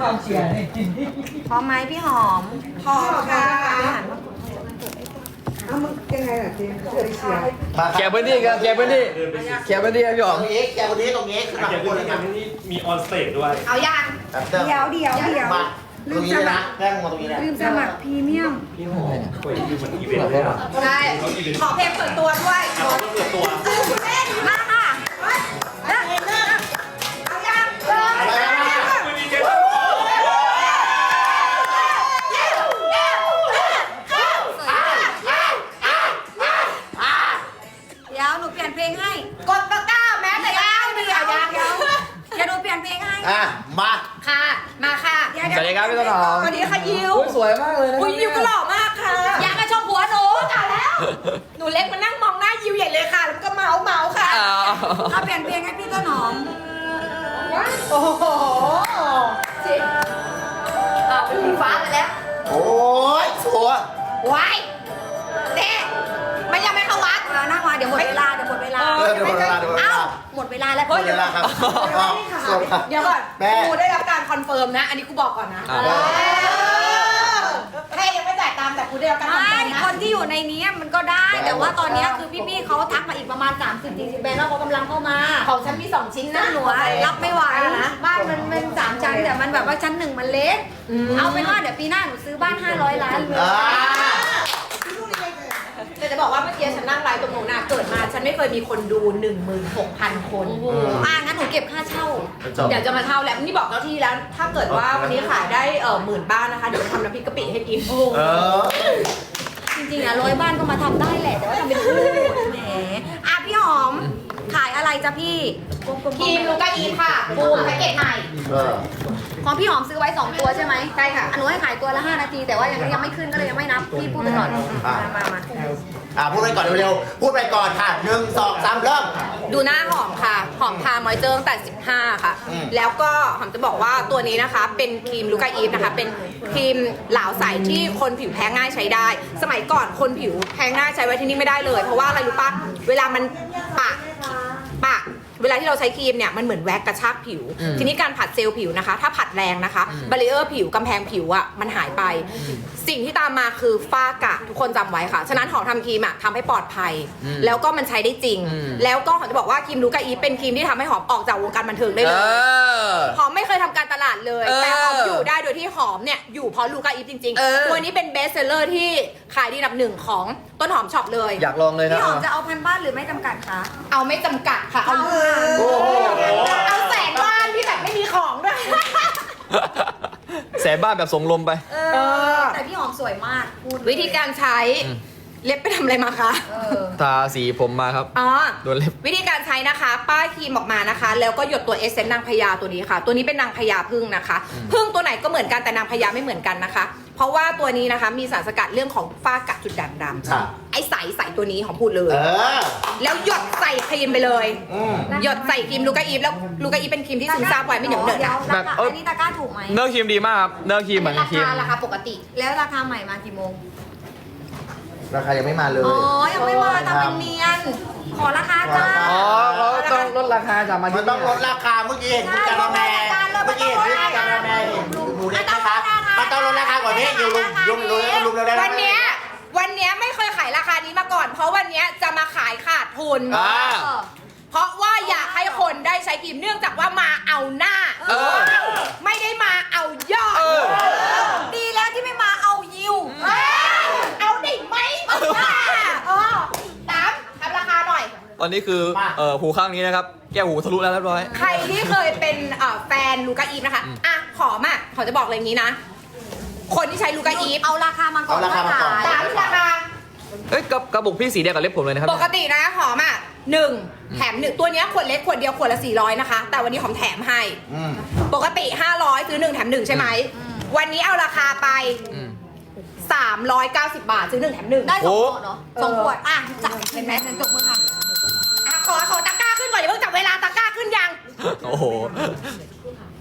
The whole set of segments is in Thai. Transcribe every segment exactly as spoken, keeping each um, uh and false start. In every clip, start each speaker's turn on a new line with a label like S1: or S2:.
S1: ความเชียร์นี่
S2: พร้อมไหมพี่หอม
S3: พอค่ะ
S4: เอามันยังไงล่ะเจ๊เชียร์เชียร์
S5: แกพื้นที่กันแกพื้นที่แกพื้นที่ครับพี่ห
S6: ต
S5: อ
S6: ร
S5: ม
S6: งนี้แกคนนี้ตรงนี้ขึ้นมา
S7: เดี๋ยว
S6: ข้างบน
S7: นี้
S6: เลยนะ
S7: นี่มีออนสเตจด้วย
S3: เอายัง
S6: แบบเติม
S4: เดี๋ยวเดี๋ยวเดี๋ยว
S6: มาตรงนี้เลยนะแป้งมาตรงนี้เลย
S4: ลืมสมัครพรีเมียม
S7: พี่หอมคุยดูเหมือนอีเวนต์เลยอะ
S3: ใช่ขอเพลงเปิดตัวด้วย
S7: อ่ะเขาก็เปิดตัว
S3: มาค่ะเอายังเริ่ม
S7: วันนี้แก
S2: เดี๋ยวหนูเปลี่ยนเพลงให้
S3: กดตะกร้าแม้แต่ยังเดียวยัง
S2: เดี๋ยวเดี๋ยวหนูเปลี่ยนเพลงให้
S6: อ่ะมา
S3: ค่ะ มาค่ะ
S5: สวัสดีครับพี่ต้นหอม
S3: สวัสดีค่ะยิว
S5: อุ๊ยสวยมากเลยนะ
S3: อุ้ยยิวก็หล่อมากค่ะ
S2: อยากกระชมหัวหนู
S3: ตายแล้ว หนูเล็กมานั่งมองหน้ายิวใหญ่เลยค่ะ แล้วก็เมาส์เมาส์ค่ะ
S5: อ้าว
S2: เราเปลี่ยนเพลงให้พี่ต้นหอม
S3: โอ้โหจริงอ่าเป็นสีฟ้าไปแล้ว
S6: โอ้ยสวย
S3: วายเด็มันยังไม่เข้าวัด
S2: เออนั่งมาเดี๋ยวหมดเวลาเดี๋ยวหมดเวลา
S6: เออเดี๋ยวหมดเวลาเดี๋ยวหมดเว
S2: เอ้า
S6: ลา
S2: หมดเวลาแล้ว
S6: หมดเวลาครับอ้าวสวยครับ
S3: เดี๋ยวก่อน
S6: แม่
S3: กูได้รับการคอนเฟิร์มนะ อันนี้กูบอกก่อนนะ
S5: อ่า
S3: เออให้ยังไม่จ่ายตังค์แต่กูได้รับการคอน
S2: ไม่
S3: เฟิร์มนะ
S2: คนที่อยู่ในนี้มันก็ได้ แต่ว่าตอนนี้คือพี่ๆเขาทักมาอีกประมาณ สามสิบ สี่สิบแบรนด์แล้วเขากำลังเข้ามา
S3: ของฉันมีสองชิ้น
S2: นั่
S3: นะ
S2: นหนูอะรับไม่ไหวนะบ้านมันเป็นสามชั้นแต่มันแบบว่าชั้นหนึ่งมันเล็ก เอาเป็นว่าเดี๋ยวปีหน้าหนูซื้อบ้านห้าร้อยล้านเลย
S6: อ่า
S3: แต่จะบอกว่าเมื่อกี้ฉันนั่งไลฟ์ตรงโน้นน่ะเกิดมาฉันไม่เคยมีคนดู หนึ่งหมื่นหกพัน คน
S2: โอ้โหอ่างั้นหนูเก็บค่าเช่า
S6: จบ
S3: เดี๋ยวจะมาเท่าแล้วนี่บอกเจ้าที่แล้ว ถ้าเกิดว่าวันนี้ขายได้เออหมื่นบ้านนะคะ เดี๋ยวจะทำน้ำพริกกะปิให้กิน
S6: เออ
S2: จริงๆอะร้อยบ้านก็มาทำได้แหละ แต่ว่าทำเป็นคู่แหมอ่ะพี่หอม ขายอะไรจ๊ะพี่
S3: ครีมลูกาอีค่ะบูมแพ็กเกจใหม่
S6: เออ
S2: ของพี่หอมซื้อไว้สองตัวใช่ไหม
S3: ใช่ค่ะ
S2: อันหนูให้ขายตัวละห้านาที แต่ว่ายังยังไม่ขึ้นก็เลยยังไม่นับ พี่พูดไปก่อน
S6: อ่ะ
S2: มามามา
S6: อ่ะพูดไปก่อนเร็วๆพูดไปก่อนค่ะหนึ่งสองสามเริ่ม
S3: ดูหน้าหอมค่ะ หอมทามอยเจอร์ตั้งแต่สิบห้าค่ะ
S6: อืม
S3: แล้วก็หอมจะบอกว่าตัวนี้นะคะ เป็นครีมลูกาอีฟนะคะ เป็นครีมเหลาใสที่คนผิวแพ้ง่ายใช้ได้ สมัยก่อนคนผิวแพ้ง่ายใช้ไว้ที่นี่ไม่ได้เลย เพราะว่าอะไรรู้ปะเวลามันปะปะ เวลาที่เราใช้ครีมเนี่ยมันเหมือนแว็กกระชากผิว
S5: อืม
S3: ทีนี้การผัดเซลล์ผิวนะคะ ถ้าผัดแรงนะคะบาริเออร์ผิวกำแพงผิวอะมันหายไป สิ่งที่ตามมาคือฝ้ากระทุกคนจำไว้ค่ะ ฉะนั้นหอมทำครีมอะทำให้ปลอดภัย
S5: อืม
S3: แล้วก็มันใช้ได้จริง
S5: อืม
S3: แล้วก็หอมจะบอกว่าครีมลูกาอีฟเป็นครีมที่ทำให้หอมออกจากวงการบันเทิงได้
S5: เอ
S3: เลย
S5: อ
S3: หอมไม่เคยทำการตลาดเลย
S5: เออ
S3: แต่หอมอยู่ได้โดยที่หอมเนี่ยอยู่เพราะลูกาอีฟจริง
S5: เออ
S3: ๆ ตัวนี้เป็นเบสเซลเลอร์ที่ขายดีอันดับหนึ่งของต้นหอมช็อปเลย
S5: อยากลองเลยนะ
S2: พี่หอมจะเอาพันบ้านหรือไม่จำกัดคะ
S3: เอาไม่จำกัดค่ะ เอา
S6: โอ้โห
S3: เอาแสนบ้านที่แบบไม่มีของด้วย
S5: แสนบ้านแบบส่งลมไป
S2: เอ
S3: เออ
S2: แต่พี่หอมสวยมากพูด
S3: วิธีการใช้
S5: อืม
S3: เล็บไปทำอะไรมาคะ
S2: เออ
S5: ทาสีผมมาครับ
S3: อ๋อ
S5: โดนเล็บ
S3: วิธีการใช้นะคะ ป้ายครีมออกมานะคะ แล้วก็หยดตัวเอเซนต์นางพญาตัวนี้ค่ะ ตัวนี้เป็นนางพญาพึ่งนะคะ พึ่งตัวไหนก็เหมือนกันแต่นางพญาไม่เหมือนกันนะคะ เพราะว่าตัวนี้นะคะมีสารสกัดเรื่องของฝ้ากระจุดด่างด
S6: ค่ะ
S3: ำไอ้ใสใสตัวนี้ของพูดเลย
S6: เออ
S3: แล้วหยดใส่ครีมไปเลย
S6: อืม
S3: หยดใส่ครีมลูกาอีฟแล้วลูกาอีฟเป็นครีมที่ซึมซาบไว้ไม่เหนียวเหนอะ
S2: ดี๋
S3: นะ
S2: รา
S5: แบบ
S2: คา
S5: เอ้ย
S2: อันนี้ตะกร้าถูกไหม
S5: เนื้อครีมดีมากครับ เนื้อครีมเหมือน
S3: รา
S5: ครีม
S3: คาราคาปกติ
S2: แล้วราคาใหม่มากี่โมง
S6: ราคายังไม่มาเลย
S2: อ๋อ ยังไม่มาทำเป็นเนียน ขอราคาจ้า
S5: อ๋อเขาต้องลดราคาจากมา
S6: มัน
S5: ที่
S6: ต้องลดราคาเมื่อกี้เห็นคุณการาแมเมื่อกี้เห็นคุณการาแมเห็นหมูเล็กนะคะมันต้องลดราคากว่านี้อยู่ลุมลุมลุมลุมเร็วๆ
S3: วันเนี้ยวันเนี้ยไม่เคยขายราคานี้มาก่อน เพราะวันเนี้ยจะมาขายขาดทุน
S6: อ่า
S3: เพราะว่าอยากให้คนได้ใช้ครีมเนื่องจากว่ามาเอาหน้า
S5: เออ
S3: ไม่ได้มาเอายอด
S5: เออ
S2: ดีแล้วที่ไม่มาเอายิว
S3: เอ้ยเอาได้ไหมเออตามทำราคาหน่อย
S5: ตอนนี้คือ เอ่อ หูข้างนี้นะครับ แก้วหูทะลุแล้วเรียบร้อย
S3: ใครที่เคยเป็นเอ่อแฟนลูกาอีฟนะคะ
S5: อืม
S3: อ่ะขอมาขอจะบอกเลยอย่างนี้นะ คนที่ใช้ลูกาอีฟ
S2: เอาราคามาก่อน
S6: เอาราคามาก่อน
S2: ว่
S3: ตามราคา
S5: เอ้ยกระกระบุกพี่สีเดียวกับเล็บผมเลยนะครับ
S3: ปกตินะหอมอ่ะหนึ่งแถมหนึ่งตัวเนี้ยขวดเล็กขวดเดียวขวดละสี่ร้อยนะคะ แต่วันนี้หอมแถมให้
S6: อืม
S3: ปกติห้าร้อยซื้อหนึ่งแถมหนึ่งใช่ไหม วันนี้เอาราคาไป
S5: อืม
S3: สามร้อยเก้าสิบบาทซื้อหนึ่งแถมหนึ่ง
S2: ได้สอง
S5: โอ้
S2: ขวดเนาะสองขวด อ่ะจับเห็นไหมฉันจบมือค่ะ
S3: อ่ะขอขอตะกร้าขึ้นก่อนอย่าเพิ่งจับเวลาตะกร้าขึ้นยัง
S5: โอ้โห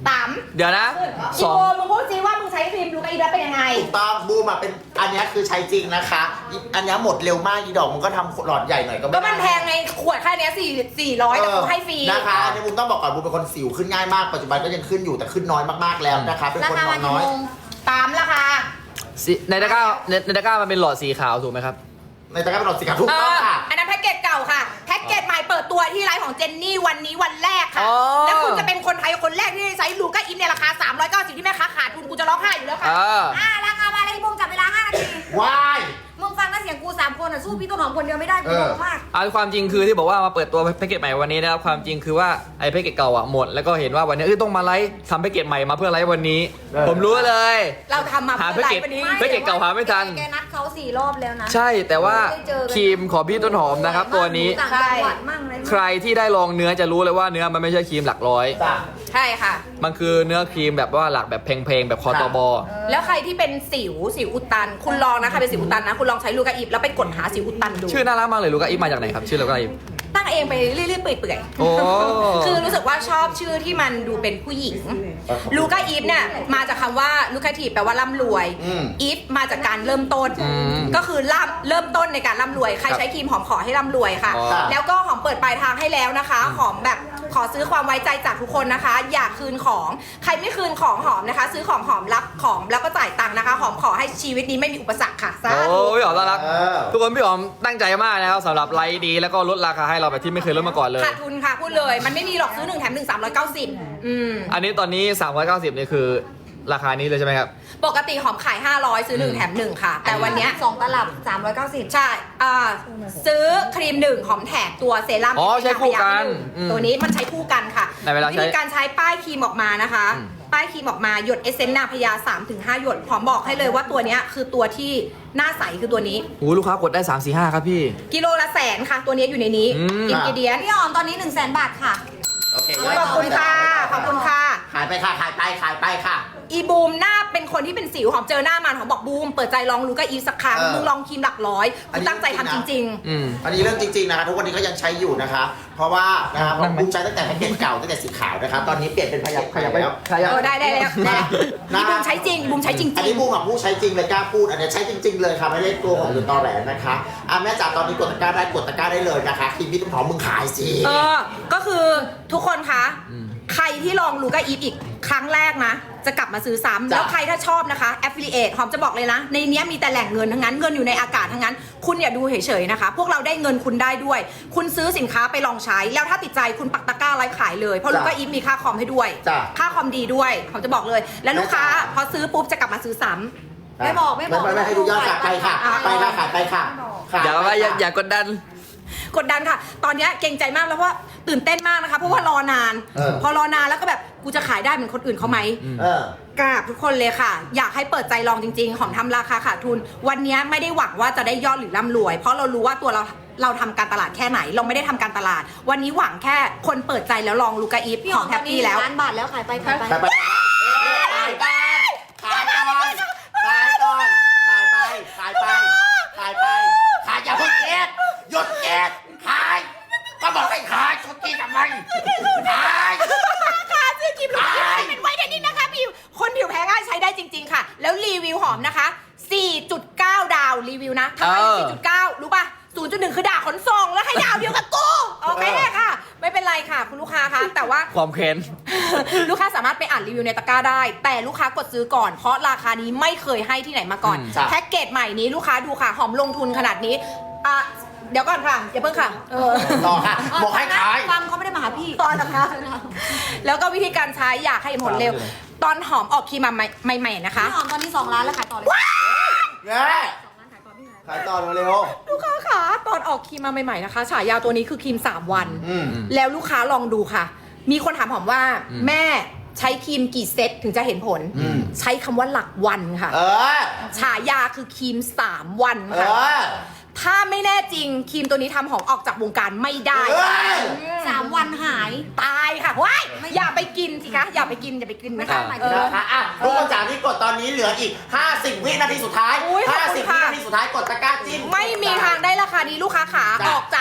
S3: ตาม
S5: เดี๋ยวนะ
S3: อี
S5: สอง
S3: โบมึงพูดซิว่ามึงใช้ครีมลูกาอีฟแล้วเป็นยังไง
S6: ถูกต้องบูมอ่ะเป็นอันเนี้ยคือใช้จริงนะคะอีอันเนี้ยหมดเร็วมากอีดอกมันก็ทำหลอดใหญ่หน่อยก็ไม่
S3: ก็
S6: ได้
S3: มันแพงไงขวดแค่เนี้ยสี่สี่ร้อยแต่กูให้ฟรี
S6: นะคะอันนี้บูมต้องบอกก่อนบูมเป็นคนสิวขึ้นง่ายมากปัจจุบันก็ยังขึ้นอยู่แต่ขึ้นน้อยมากๆแล้วนะคะเป็น
S2: รา
S6: คน
S2: คาน
S6: อ
S2: วัน
S6: น
S2: กี่
S6: น้อย
S2: โมง
S3: ตามราคา
S5: สิในตะกร้าในในตะกร้ามันเป็นหลอดสีขาวถูกไหมครับ
S6: ในตะกร้าเป็นหลอดสีขาวถูก
S3: เอ
S6: ต้อง
S3: อ
S6: ค่ะ
S3: อันนั้นแพ็กเกจเก่าค่ะ แพ็กเกจใหม่เปิดตัวที่ไลฟ์ของเจนนี่วันนี้วันแรกค่ะ
S5: อ๋อ
S3: แล้วคุณจะเป็นคนไทยคนแรกที่ใช้ลูก้าอินในราคาสามร้อยเก้าสิบที่แม่ค้าขาดทุนกูจะร้องไห้อยู่แล้วค่ะ
S5: อ่า
S2: อ่าราคามาเลยบุ้มจับเวลาห้านาที
S6: ว้าย
S2: มึงฟังนะเสียงกูสามคนอ่ะสู้พี่ต้นหอมคนเดียวไม่ได้กูงงมาก
S5: เอาความจริงคือที่บอกว่ามาเปิดตัวแพ็กเกจใหม่วันนี้นะครับความจริงคือว่าไอ้แพ็กเกจเก่าอะหมดแล้วก็เห็นว่าวันนี้เอ้ยต้องมาไลฟ์ทำแพ็กเกจใหม่มาเพื่อไลฟ์วันนี้ ผมรู้เลย
S3: เราทำมา
S5: หา
S3: เพื่อ
S5: แพ็ก
S3: ไล
S5: เกจ
S3: ฟ์วันนี้
S5: แพ็กเกจเก่าหาไม่ทัน
S2: แกนัดเขาสี่รอบแล้วนะ
S5: ใช่แต่ว่า
S2: ไม่ได้เจอกัน
S5: ครีมของพี่ต้นหอมนะครับตัวนี้
S2: ต่างจังหวัดมั่งอะไรมั่ง
S5: ใครที่ได้ลองเนื้อจะรู้เลยว่าเนื้อมันไม่ใช่ครีมหลักร้อย
S6: จ้ะ
S3: ใช่ค่ะ
S5: มันคือเนื้อครีมแบบว่าหลักแบบเพลงๆแบบคอตบอ
S3: แล้วใครที่เป็นสิวสิวอุดตัน คุณลองนะใครเป็นสิวอุดตันนะคุณลองใช้ลูก้าอิฟแล้วไปกดหาสิวอุดตันดู
S5: ชื่อน่ารักมากเลยลูกาอีฟมาจากไหนครับชื่อลูกาอีฟ
S3: ตั้งเองไปเรื่อยๆเปื่อย
S5: โอ้
S3: ๆคือรู้สึกว่าชอบชื่อที่มันดูเป็นผู้หญิงลูก้าอีฟเนี่ยมาจากคำว่าลูกาทีแปลว่าร่ำรวย
S6: อืม
S3: อีฟมาจากการเริ่มต้น
S5: อืม
S3: ก็คือร่ำเริ่มต้นในการร่ำรวยใครใช้ครีมหอมขอให้ร่ำรวยค่ะ
S5: อ๋อ
S3: แล้วก็หอมเปิดปลายทางให้แล้วนะคะหอมแบบขอซื้อความไว้ใจจากทุกคนนะคะ อยากคืนของใครไม่คืนของหอมนะคะ ซื้อของหอมรับของแล้วก็จ่ายตังค์นะคะ หอมขอให้ชีวิตนี้ไม่มีอุปสรรคค่ะสา
S5: โอ้
S3: ธุ
S5: พี่หอมน่ารัก
S6: เออ
S5: ทุกคนพี่หอมตั้งใจมากนะครับสำหรับไลฟ์ดีแล้วก็ลดราคาให้เราแบบที่ไม่เคยลดมาก่อนเลย
S3: ขาดทุนค่ะพูดเลยมันไม่มีหรอกซื้อหนึ่งแถมหนึ่งสามร้อยเก้าสิบอืม
S5: อันนี้ตอนนี้สามร้อยเก้าสิบนี่คือราคานี้เลยใช่ไหมครับ
S3: ปกติหอมขายห้าร้อยซื้อหนึ่งแถมหนึ่งค่ะ แต่วันเนี้ย
S2: สองตลับสามร้อยเก้าสิบ
S3: ใช่อ่าซื้อครีมหนึ่งหอมแถมตัวเซรั่ม
S5: อ๋อใช้คู่กัน
S3: อืมตัวนี้มันใช้คู่กันค่ะ
S5: ในเวลาใช้
S3: วิธีการใช้ป้ายครีมออกมานะคะ
S5: อืม
S3: ป้ายครีมออกมาหยดเอเซนต์นาพยา สามถึงห้า หยดหอมบอกให้เลยว่าตัวเนี้ยคือตัวที่หน้าใสคือตัวนี้
S5: โอ้ลูกค้ากดได้สาม สี่ ห้าครับพี่
S3: กิโลละแสนค่ะ ตัวนี้อยู่ในนี้
S5: อืม
S3: อินกิเดียน
S2: พี่หอมตอนนี้หนึ่งแสนบาทค่ะ
S6: โอเค
S3: ขอบคุณค่ะขอบคุณค่ะ
S6: ขายไปค่ะ ขายไป ขายไปค่ะ
S3: อีบูมหน้าเป็นคนที่เป็นสิวหอมเจอหน้ามันหอมบอกบูมเปิดใจลองลูก้าอีฟสักครั้ง
S6: เออ
S3: มึงลองครีมหลักร้อย
S6: อัน
S3: กู
S6: นี้
S3: ตั้งใจทำจริง
S5: อืม
S6: อันนี้เรื่องจริงๆนะคะทุกวันนี้ก็ยังใช้อยู่นะคะ เพราะว่านะครับ
S5: นั่งไหม
S6: บูมใช้ตั้งแต่แพ็กเกจเก่าตั้งแต่สีขาวนะครับตอนนี้เปลี่ยนเป็นพยับขยับแล้ว
S3: ๆ เออได้ได้แล้วได้
S6: นะ
S3: อีบูมใช้จริงอีบูมใช้จริง
S6: อันนี้บูมกับบูมใช้จริงเลยกล้าพูดอันนี้ใช้จริง ๆ เลยค่ะไม่ได้ตัวของหรือตอแหลนะคะอ่ะแม่จ๋าตอนนี้กดตะกร้าได้กดตะกร้าได้เลยนะคะครีมพี่ต้นหอมมึงขายสิ
S3: เออ ก็คือทุกคนคะ
S5: อืม
S3: ใครที่ลองลูก้าอีฟอีกครั้งแรกนะ จะกลับมาซื้อซ้ำแล้วใครถ้าชอบนะคะ affiliate หอมจะบอกเลยนะ ในเนี้ยมีแต่แหล่งเงินทั้งนั้น เงินอยู่ในอากาศทั้งนั้น คุณอย่าดูเฉยๆนะคะ พวกเราได้เงินคุณได้ด้วย คุณซื้อสินค้าไปลองใช้ แล้วถ้าติดใจคุณปักตะกร้าไลฟ์ขายเลย เพราะลูก้าอีฟมีค่าคอมให้ด้วย
S6: จ้ะ
S3: ค่าคอมดีด้วยหอมจะบอกเลย แล้วลูกค้าพอซื้อปุ๊บจะกลับมาซื้อซ้ำ
S2: ไม่บอกไม่บอก
S6: ไม่ไม่ให้ดูยอดค่ะไปค่ะไปค่ะขายไปค่ะข
S5: อย่าว่าอย่าอย่ากดดัน
S3: กดดันค่ะ ตอนเนี้ยเกรงใจมากแล้วเพราะว่าตื่นเต้นมากนะคะ เพราะว่ารอนาน
S6: เออ
S3: พอรอนานแล้วก็แบบกูจะขายได้เหมือนคนอื่นเขาไหม
S6: เออ
S3: กราบทุกคนเลยค่ะ อยากให้เปิดใจลองจริงๆ หอมทำราคาขาดทุน วันเนี้ยไม่ได้หวังว่าจะได้ยอดหรือร่ำรวย เพราะเรารู้ว่าตัวเราเราทำการตลาดแค่ไหน เราไม่ได้ทำการตลาด วันนี้หวังแค่คนเปิดใจแล้วลองลูกาอีฟ
S2: พี่
S3: ห
S2: ห
S3: อ
S2: อ
S3: ม
S2: ม
S3: แฮ
S2: ตอ
S3: ป
S2: นนี้
S3: ปี้แล้ว
S2: ล้านบาทแล้วขายไปขายไป
S6: ขายไปขายไปขายก่อนขายก่อนขายไปขายไปขายไปขายอย่าเพิ่งเก็บหยุดเก็บขายก็บอกให้ขายชุดที่ทำไมขาย
S3: ค่ะซื้อครีมลูกาอีฟเป็นไว้เดนนี่นะคะผิวคนผิวแพ้ง่ายใช้ได้จริง ๆ ค่ะ แล้วรีวิวหอมนะคะ สี่จุดเก้า ดาวรีวิวนะทำไม
S5: เออ
S3: สี่จุดเก้า รู้ป่ะ ศูนย์จุดหนึ่ง คือด่าขนส่งแล้วให้ดาวเดียวกับกูโอเคค่ะ ไม่เป็นไรค่ะ คุณลูกค้าคะแต่ว่า
S5: ความเค้น
S3: ลูกค้าสามารถไปอ่านรีวิวในตะกร้าได้ แต่ลูกค้ากดซื้อก่อน เพราะราคานี้ไม่เคยให้ที่ไหนมาก่อน
S5: อืม
S6: จ้ะ
S3: แพ็กเกจใหม่นี้ลูกค้าดูค่ะ หอมลงทุนขนาดนี้อ่ะเดี๋ยวก่อนค่ะ อย่าเพิ่งค่ะ เออ
S6: ต่อค่ะบอกให้ขาย
S2: ฟังเขาไม่ได้มาหาพี่
S3: ตอนนะคะ แล้วก็วิธีการใช้อยากให้เห็นผลเร็ว ตอนหอมออกครีมมาใหม่ๆนะคะ
S2: พี่หอมตอนนี้สองล้านแล้วขายต่อเลย
S6: แง่ขายต่อเร็ว
S3: ลูกค้าขาตอนออกครีมมาใหม่ๆนะคะ ฉายาตัวนี้คือครีมสามวัน
S6: อืม
S3: แล้วลูกค้าลองดูค่ะ มีคนถามหอมว่า
S5: อืม
S3: แม่ใช้ครีมกี่เซตถึงจะเห็นผล
S6: อืม
S3: ใช้คำว่าหลักวันค่ะ
S6: เออ
S3: ฉายาคือครีมสามวัน
S6: เอ
S3: ค่ะ
S6: อ
S3: ถ้าไม่แน่จริงครีมตัวนี้ทำหอมออกจากวงการไม่ได้
S6: เฮ้ย
S2: สามวันหาย
S3: ตายค่ะว้ายอย่าไปกินสิคะอย่าไปกินอย่าไปกินนะคะ
S2: ไม่
S3: เอ
S2: ได้
S3: อ
S6: นะคะอ่ะทุกคนจ๋าที่กดตอนนี้เหลืออีก ห้าสิบ วินาทีสุดท้าย
S3: อุ๊ยขอบคุณ
S6: ห้าสิบ
S3: ค่ะ
S6: วินาทีสุดท้ายกดตะกร้าจิ้ม
S3: ไม่มีทางได้ราคานี้ลูกค้าขา
S6: จ้ะ
S3: ออกจากไลฟ์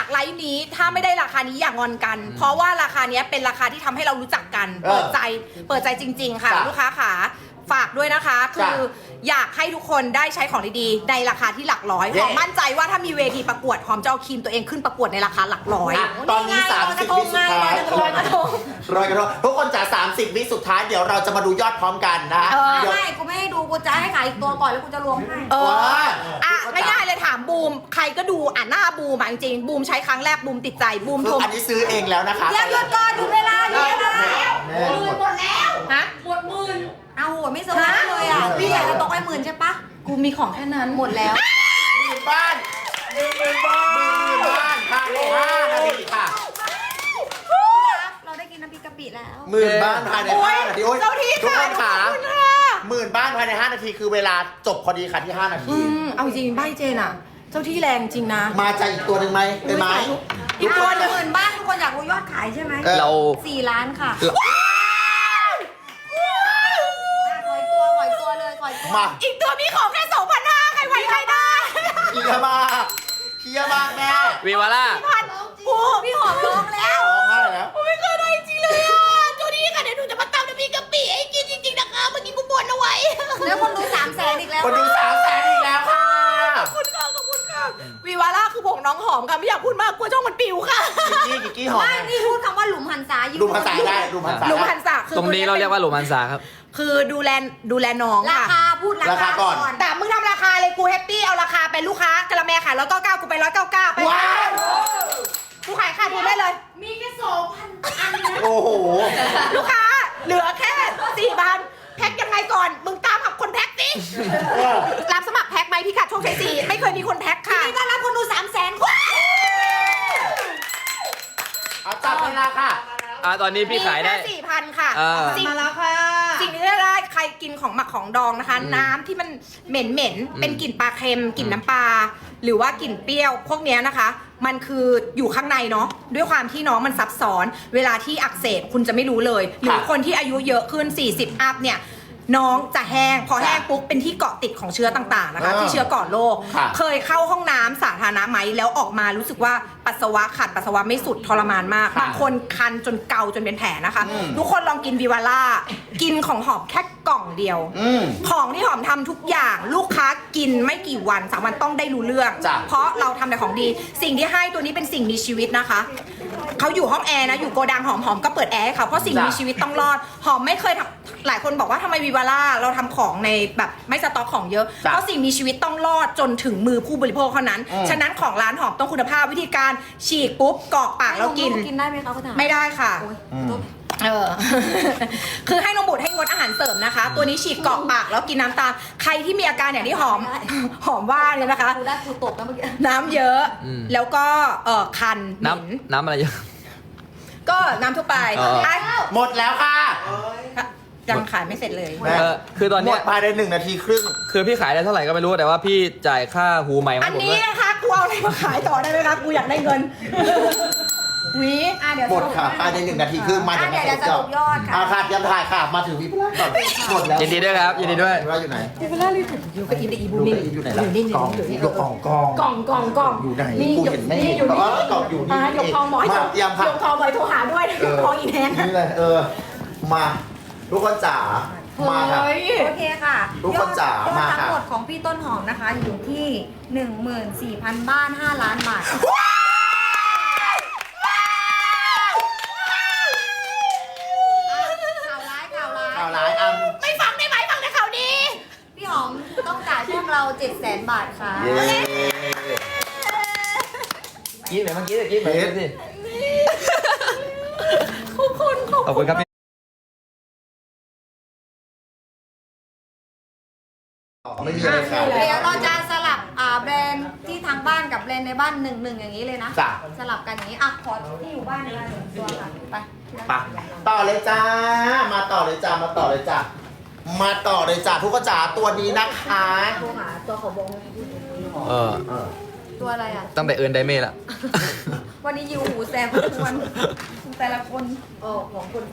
S3: นี้ถ้าไม่ได้ราคานี้อย่างอนกัน เพราะว่าราคานี้เป็นราคาที่ทำให้เรารู้จักกัน
S6: เออ
S3: เปิดใจเปิดใจจริง ๆ ค่ะ
S6: จ้ะ
S3: ลูกค้าขาฝากด้วยนะคะ คืออยากให้ทุกคนได้ใช้ของดีๆในราคาที่หลักร้อย
S6: เย้
S3: หอมมั่นใจว่าถ้ามีเวทีประกวดหอมจะเอาครีมตัวเองขึ้นประกวดในราคาหลักร้อย
S6: อ่ะตอนนี้
S2: นี่ไง
S6: สามสิบวิสุดท้าย
S2: ลอยกระทง
S6: รอยกระทงทุกคนจ๋าสามสิบวิสุดท้ายเดี๋ยวเราจะมาดูยอดพร้อมกันนะ
S3: เออ
S6: เดี๋ยว
S2: ไม่กูไม่ให้ดูกูจะให้ขายอีกตัวก่อนแล้วกูจะรวมให้
S3: เออ
S6: ว้า
S3: อ่ะง่ายๆเลยถามบูมใครก็ดูอ่ะหน้าบูมอ่ะจริงๆบูมใช้ครั้งแรกบูมติดใจบูม
S6: คื
S3: โท
S6: อ
S3: ร
S6: อันนี้ซื้อเองแล้วนะคะ
S2: เดี๋ยวหยุดก่อนหยุดเวลาหยุดเวลา
S6: แม่
S2: หมื่นหมดแล้ว
S3: ฮะ
S2: หมดหมื่นเอาหัวไม่เซอร์ไพรส์เลยอ่ะพี่อยากจะตกไปหมื่นใช่ปะ
S3: กูมีของแค่นั้น
S2: หมดแล้ว
S6: หมื่นบ้านหมื่นหมื่นบ้านหมื่นบ้านภายในห้านาทีค่ะ
S2: เราได้กินน้ำพริกกะปิแล้ว
S6: หมื่นบ้านภายใน
S3: โอ้ย
S6: ห้านาทีโอ้ย
S3: เจ้าที่
S6: ทุก
S3: ค่ะ
S6: คนขา
S3: ขอบคุณค่ะ
S6: หมื่นบ้านภายในห้านาทีคือเวลาจบพอดีค่ะที่ห้านาที
S3: อืมเอาจริงใบเจนอ่ะ เจ้าที่แรงจริงนะ
S6: มาใจอีกตัวหนึ่งไหมเป็นไหม
S3: อีกตัวหนึ่ง
S2: หมื่นบ้านทุกคนอยากรู้ยอดขายใช่ไหม
S6: เออ
S5: เรา
S2: สี่ล้านค่ะ
S5: เรา
S2: ขอยตัวขอยตัวเลยขอยตัว
S6: มา
S3: อีกตัวมีของแค่สองพันห้าใครไหวใครได้
S6: เฮียมากเฮียมากแม่
S5: วีวาร่า
S3: พันกู
S2: พี่หอมร้องแล้ว
S6: ร้องไห้แล้ว
S3: กูไม่เคยได้จริงเลยอ่ะเจ้าที่ค่ะเดี๋ยวหนูจะมาตำน้ำพริกกะปิให้กินจริงๆนะคะเมื่อกี้กูบ่นเอาไว้
S2: แล้วคนดูสามแสนอีกแล้ว
S6: คนดูสามแสนอีกแล้วค่ะ
S3: ขอบคุณค่ะขอบคุณค่ะวีวาร่าคือผงน้องหอมค่ะไม่อยากพูดมากกลัวช่องมันปิวค่ะ
S6: กิกกี้กิกกี้หอม
S2: ไม่นี่พูดคำว่าหลุมหันษาอยู่
S6: ดูภาษาได้ดูภาษา
S3: หลุม
S6: ได้
S3: พันษาคือ
S5: ตรงนี้เราเรียกว่าโรมันซาครับ
S3: คือดูแลดูแลน้อง
S2: รา
S3: ค่ะ
S2: คาพูดรา
S6: รา
S2: คา
S6: คาก่อน
S3: แต่มึงทำราคาเลยกูแฮปปี้เอาราคาเป็นลูกค้ากระแมขายร้อยเก้าเก้ากูไปร้อยเก้าเก้าไป
S6: ว้าว
S3: กูขายขาดทุนได้เลย
S2: มีแค่สองพันอันนะ
S6: โอ้โห
S3: ลูกค้าเหลือแค่สี่พันแพ็คยังไงก่อน มึงตามหาคนแพ็คสิ
S6: เออ
S3: รับสมัครแพ็คไหมพี่กัดโชคชัยสี่ไม่เคยมีคนแพ็คค่ะ
S2: นี่ก็รับคนดูสามแสนคน
S6: เอาจับเวลาค่ะ
S5: อ่าตอนนี้พี่ขายได้
S3: สี่พันค่ะ
S5: อ่า
S3: สิ่ง
S4: มาแล้วค่ะ
S3: สิ่งที่ได้ได้ใครกินของหมักของดองนะคะ น้ำที่มันเหม็นเหม็นๆเป็นกลิ่นปลาเค็มกลิ่นน้ำปลาหรือว่ากลิ่นเปรี้ยว พวกเนี้ยนะคะ มันคืออยู่ข้างในเนาะด้วยความที่น้องมันซับซ้อน เวลาที่อักเสบคุณจะไม่รู้เลย หรือคนที่อายุเยอะขึ้น สี่สิบ อัพเนี่ย น้องจะแห้ง พอแห้งปุ๊บเป็นที่เกาะติดของเชื้อต่างๆนะคะ
S6: อ่า
S3: ที่เชื้อก่อโรค
S6: ค่ะ
S3: เคยเข้าห้องน้ำสาธารณะไหมแล้วออกมารู้สึกว่าปัสสาวะขาดปัสสาวะไม่สุดทรมานมาก
S6: ค่ะ
S3: บางคนคันจนเกาจนเป็นแผลนะคะ
S6: อืม
S3: ทุกคนลองกินวิวาร่ากินของหอมแค่กล่องเดียว
S6: อืม
S3: ของที่หอมทำทุกอย่างลูกค้ากินไม่กี่วันสามวันต้องได้รู้เรื่อง
S6: จ้ะ
S3: เพราะเราทำแต่ของดี สิ่งที่ให้ตัวนี้เป็นสิ่งมีชีวิตนะคะเขาอยู่ห้องแอร์นะอยู่โกดังหอมหอมก็เปิดแอร์ให้เขาเพราะสิ่งมีชีวิตต้องรอดหอมไม่เคยทำหลายคนบอกว่าทำไมวิวาร่าเราทำของในแบบไม่สต็อกของเยอะ
S6: จ้ะ
S3: เพราะสิ่งมีชีวิตต้องรอดจนถึงมือผู้บริโภคเท่านั้น
S6: อืม
S3: ฉะนั้นของร้านหอมต้องคุณภาพวิธีการฉีกปุ๊บกรอกปากแล้วกิน
S2: กินได้ไหมคะเขาถาม
S3: ไม่ได้ค่ะ
S2: โอ้ย
S6: อืม
S3: เออ คือให้นมบุตรให้งดอาหารเสริมนะคะ ตัวนี้ฉีดเกาะปากแล้วกินน้ำตาม ใครที่มีอาการอย่างที่หอม หอมว่าเนี่ยนะคะ
S2: กูได้กูตกนะเมื่อกี้
S3: น้ำเยอะ
S5: อืม
S3: แล้วก็เออคันเหม็น
S5: น้ำน้ำอะไรเยอะ
S3: ก็น้ำทั่วไป
S5: อ๋อ
S3: อ่ะ
S6: หมดแล้วค่ะ
S3: ยังขายไม่เสร็จเลย
S6: แม่
S5: เออคือตอน
S6: หม
S5: เนี้
S6: ด
S5: ย
S6: ภายในหนึ่งนาทีครึ่ง
S5: คือพี่ขายได้เท่าไหร่ก็ไม่รู้แต่ว่าพี่จ่ายค่าหูใหม่
S3: อั
S5: มาน ผม
S3: นี้
S5: ด้วย
S3: นะคะกูเอาอะไรมาขายต่อได้ไหมคะกูอยากได้เงินหวี
S2: อ่ะเดี๋ยว
S6: หมด
S2: สรุป
S6: ค่ะภายในหนึ่งนาทีครึ่งมา
S2: อ่ะเดี๋ยวเดี๋ยวสรุปยอดค่ะ
S6: อาค่ะยังถ่ายค่ะ มาถึงวิพลาก่อนหมดแล้ว
S5: ยินดีด้วยครับยินดีด้วย
S6: ว่าอยู่ไหน
S3: อยู่กับอินเดอีบู
S6: ดู
S3: นี่
S6: อยู่ไหนล่ะ
S3: อยู่นี่
S6: กล่อง
S3: อยู่นี่
S6: อยู่กล่องกล่อง
S3: กล่องกล่องกล่อง
S6: อยู่ไหน
S3: นี่
S6: กู
S3: อยู่
S6: เห็นไม่
S3: นี่
S6: เห็น
S3: อยู่
S6: อ๋
S3: นี่
S6: อกล่องอยู่นี่
S3: อ่ะยกทองหมอย
S6: มาเตรียมค่ะ
S3: ยกทองหมอยโทรหาด้วยนะยกทองอีแทน
S6: นี่เลยเออ มาทุกคนจ๋ามาค่ะ
S3: เฮ้ย
S2: โอเคค่ะ
S6: ทุกคนจ๋าย
S2: อด
S6: มา
S2: ทั้
S6: ค่ะ
S2: งหมดของพี่ต้นหอมนะคะ อยู่ที่ หนึ่งหมื่นสี่พัน บ้าน ห้า ล้านบาท ข่าวร้ายข่าวร้าย
S6: ข่าวร้ายอ่ะ
S3: ไม่ฟังได้ไหมฟังแต่ข่าวดี
S2: พี่หอมต้องจ่ายพวกเรา เจ็ดแสน บาทค่ะ
S6: เย้
S5: กินไหนเมื่อกี้กินไหนสิ
S3: ขอบคุณขอบ
S5: ขอบคุณครับพี่
S6: ไม่มีอะไรค่ะ
S2: เดี๋ยวเราจะสลับอ่าแบรนด์ที่ทางบ้านกับแบรนด์ในบ้านหนึ่งหนึ่งอย่างนี้เลยนะ
S6: จ้ะ
S2: สลับกันอย่างนี้ อ่ะ ขอที่อยู่บ้านเลยหนึ่งตัวค่ะ ไป
S6: ไปต่อเลยจ้า มาต่อเลยจ้า มาต่อเลยจ้า มาต่อเลยจ้าทุกคนจ๋าตัวนี้นะคะ
S2: โทรหาตัวเขาบง
S5: เออ
S2: ตัวอะไรอ่ะ
S5: ตั้งแต่เอิร์นไดเม่ละ
S2: วันนี้ยิวหูแซมทุกวันแต่ละคนโอ้ของคน